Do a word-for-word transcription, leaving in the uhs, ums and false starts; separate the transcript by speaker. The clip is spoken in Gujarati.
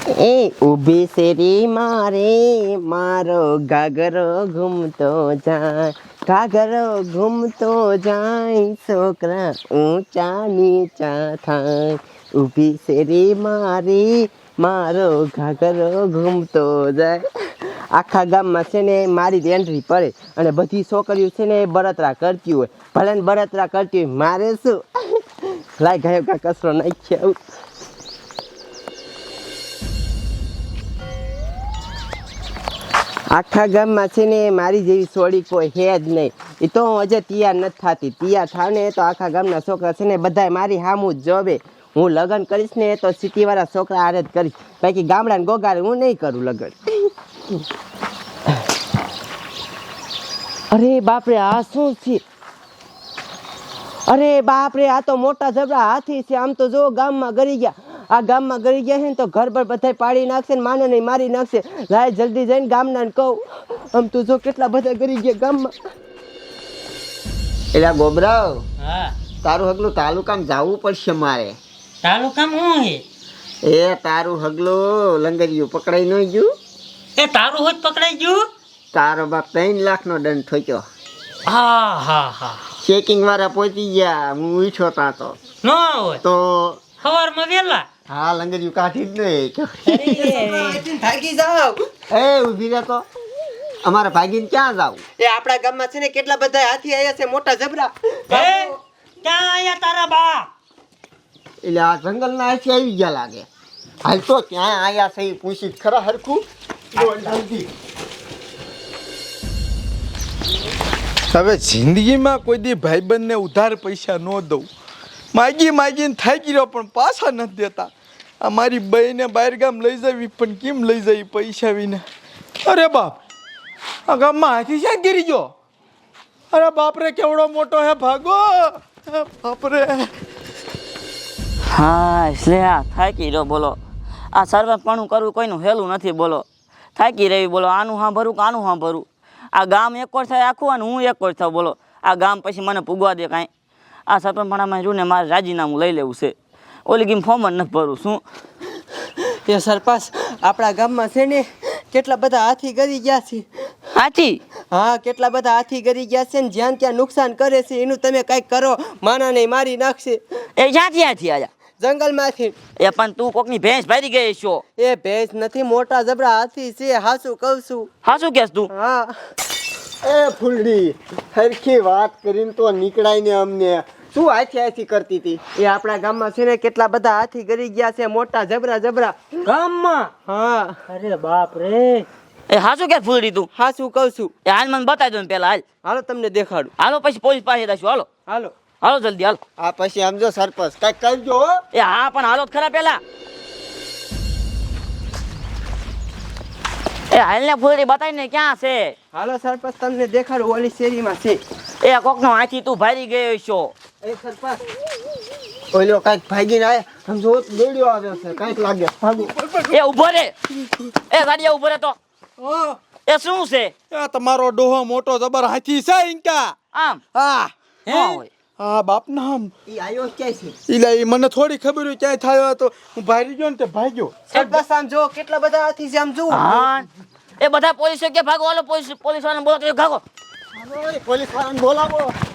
Speaker 1: એ ઊભી શેરી મારે મારો ઘાઘરો ઘૂમતો જાય, ઘાઘરો ઘૂમતો જાય, છોકરા ઊંચા નીચા થાય. ઊભી શેરી મારી મારો ઘાઘરો ઘૂમતો જાય. આખા ગામમાં છે ને મારી જ એન્ટ્રી પડે અને બધી છોકરીઓ છે ને બળતરા કરતી હોય. ભલે ને બળતરા કરતી હોય, મારે શું લાય ગયો કા કચરો નાખ્યો. આખા ગામમાં છે ને મારી જેવી સોડી કોઈ હે જ નહીં. એ તો હું હજે તૈયાર નથી થતી. તૈયાર થાવ ને તો આખા ગામના છોકરા છે ને બધાય મારી સામું જ જોવે. હું લગ્ન કરીશ ને તો સિટીવાળા છોકરા હારે જ કરીશ, બાકી ગામડાને ગોગાડે હું નહીં કરું લગ્ન. અરે બાપરે, આ શું છે? અરે બાપરે, આ તો મોટા જબરા હાથી છે. આમ તો જો ગામમાં ગરી ગયા. આ ગામમાં ગરી ગયા છે ને તો ઘર પર બધા પાડી નાખશે ને માને નહીં મારી નાખશે. લાય જલ્દી જઈને ગામના ને કહું. આમ તો જો કેટલા બધા ગરી ગયા ગામમાં. એલા ગોબરાવ,
Speaker 2: હા
Speaker 1: તારું હગલું તાલુકામાં જવું પડશે મારે.
Speaker 2: તાલુકામાં હું હે?
Speaker 1: એ તારું હગલું લંગરિયું પકડાઈ ન ગયું?
Speaker 2: એ તારું હોત પકડાઈ ગયું?
Speaker 1: તારો બાપ ત્રણ લાખ નો દંડ ઠોક્યો.
Speaker 2: હા હા હા
Speaker 1: ચેકિંગ વાળા પહોંચી ગયા. હું ઉઠ્યો તા તો
Speaker 2: ન હોય
Speaker 1: તો
Speaker 2: સવારમાં વેલા.
Speaker 1: હા લંગરિયું કાઢી જ નહીં. ભાગી જાવ. એ ઊભી રહે તો. અમારે ભાગીને ક્યાં જાવ? એ આપણા ગામમાં છે ને કેટલા બધા હાથી આયા છે, મોટા જબરા.
Speaker 2: એ ક્યાં આયા તારા બા?
Speaker 1: એટલે આ જંગલના હાથી આવી ગયા લાગે. હાલ તો ક્યાં આયા છે એ પૂછી ખરા હરખું.
Speaker 3: હવે જિંદગીમાં કોઈ દી ભાઈબંધને ઉધાર પૈસા ન દઉં. માગી માગીને થાકી રહ્યો પણ પાછા નથી દેતા. આ મારી બહેને બહાર ગામ લઈ જવી પણ કેમ લઈ જવી પૈસા વિના? અરે બાપ, આ ગામમાં હાથી ક્યાં ગીરી ગયો? અરે બાપરે, કેવડો મોટો હે, ભાગો બાપરે.
Speaker 4: હા એટલે આ થાકી રહ્યો બોલો. આ સર્વપણું કરવું કોઈનું હેલું નથી બોલો. થાકી રહી બોલો. આનું હા ભરું કે આનું હા ભરું? આ ગામ એકોર થાય આખું અને હું એકોર થાવ બોલો. આ ગામ પછી મને પૂગવા દે કાંઈ? આ સરપંચપણામાં જોઈને મારે રાજીનામું લઈ લેવું છે. ઓલી ગેમ ફોર્મ જ નથી ભરું. શું
Speaker 1: એ સરપંચ, આપણા ગામમાં છે ને કેટલા બધા હાથી ગરી ગયા છે.
Speaker 4: હાથી?
Speaker 1: હા, કેટલા બધા હાથી ગરી ગયા છે ને જ્યાં ત્યાં નુકસાન કરે છે. એનું તમે કંઈક કરો, માના નહીં મારી નાખશે.
Speaker 4: એ ક્યાંથી હાથી આયા?
Speaker 1: જંગલમાંથી.
Speaker 4: એ પણ તું કોકની ભેંસ ભારી ગઈ છો.
Speaker 1: એ ભેંસ નથી, મોટા જબરા હાથી છે. હાસું કહું છું.
Speaker 4: હા શું કહેશ તું?
Speaker 1: હા. એ ફૂલડી, હરખી વાત કરીને તો નીકળાય ને અમને. શું હાથી હાથી કરતી હતી? એ આપણા ગામમાં છે ને કેટલા બધા હાથી ગરી ગયા છે, મોટા જબરા જબરા.
Speaker 2: ગામમાં?
Speaker 1: હા.
Speaker 2: અરે બાપ રે.
Speaker 4: એ હા શું કે ફૂલડી તું?
Speaker 1: હા શું કહું છું.
Speaker 4: એ હાલ મને બતાવી દો ને પેલા. હાલ
Speaker 1: હાલો તમને દેખાડું.
Speaker 4: હાલો પછી પોલીસ પાસે જઈશું. હાલો
Speaker 1: હાલો
Speaker 4: હાલો જલ્દી હાલો.
Speaker 1: આ પછી સમજો સરપંચ કઈક કરજો.
Speaker 4: એ હા પણ હાલો ખરા પેલા. એ હાલ ને ફૂલડી બતાવી ને ક્યાં છે?
Speaker 1: હાલો સરપંચ તમને દેખાડું, ઓલી શેરીમાં છે.
Speaker 4: એ કોકનો હાથી તું ભારી ગયો છો.
Speaker 1: એ સરપંચ ઓલો કઈક ભાગીને આયા, સમજો દોડ્યો આવ્યો છે, કઈક લાગે. ભાગો.
Speaker 4: એ ઉભો રે. એ ગાડીયા ઉભો રે તો. એ શું છે?
Speaker 3: એ તમારો ડોહો મોટો જબર હાથી છે ઇન્કા.
Speaker 4: આમ
Speaker 3: હા
Speaker 4: હા હોય.
Speaker 3: હા બાપ નામ.
Speaker 1: ઈ આયો ક્યાં છે?
Speaker 3: ઈલા ઈ મને થોડી ખબર હોય ક્યાંય થયો હતો. હું ભારી ગયો ને તે ભાગ્યો.
Speaker 1: સરપંચ આમ જો કેટલા બધા હાથી છે, આમ જો.
Speaker 4: હા એ બધા પોલીસ કે ભાગો. હાલો પોલીસ પોલીસ વાળાને બોલો તો ભાગો.
Speaker 1: પોલીસ વાળાને બોલાવો.